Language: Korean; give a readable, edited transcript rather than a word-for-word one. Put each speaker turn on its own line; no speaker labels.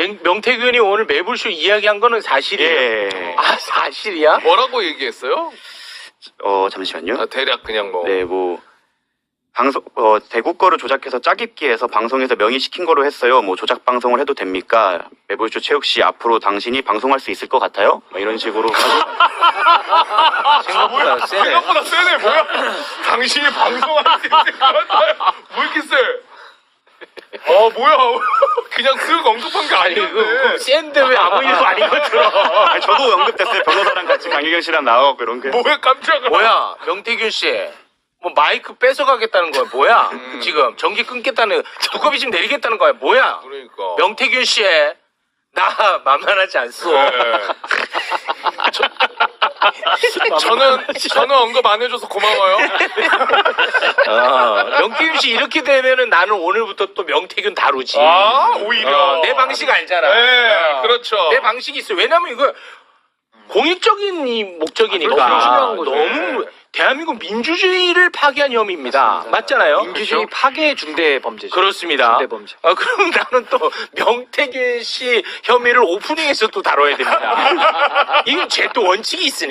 명태균이 오늘 매불쇼 이야기한 거는 사실이에요.
예.
아, 사실이야?
뭐라고 얘기했어요?
잠시만요.
대략 그냥 뭐.
네, 방송, 대구 거를 조작해서 짜깁기해서 방송에서 명의시킨 거로 했어요. 조작 방송을 해도 됩니까? 매불쇼 최욱 씨, 앞으로 당신이 방송할 수 있을 것 같아요? 이런 식으로.
생각보다 세네.
생각보다 세네, 뭐야? 당신이 방송할 수 있을 것 같아요. 뭐 이렇게 세? 뭐야. 그냥 쓱 언급한 게 아니었네.
센데 왜 아무 일도 아닌 것처럼.
아니, 저도 언급됐어요. 변호사랑 같이 강유경 씨랑 나와갖고 이런 게.
뭐야, 깜짝아.
뭐야, 명태균 씨. 마이크 뺏어가겠다는 거야, 뭐야? 지금 전기 끊겠다는, 두꺼비 집 내리겠다는 거야, 뭐야?
그러니까.
명태균 씨, 나 만만하지 않소.
네. 저는 언급 안 해줘서 고마워요.
명태균 씨 이렇게 되면은 나는 오늘부터 또 명태균 다루지.
오히려.
내 방식 알잖아.
네, 그렇죠.
내 방식이 있어. 왜냐면 이거 공익적인 이 목적이니까.
그렇죠. 중요한 거죠.
너무 대한민국 민주주의를 파괴한 혐의입니다. 맞잖아요.
민주주의 파괴 중대 범죄죠.
그렇습니다.
중대 범죄.
그럼 나는 또 명태균 씨 혐의를 오프닝에서 또 다뤄야 됩니다. 이건 제 또 원칙이 있으니까.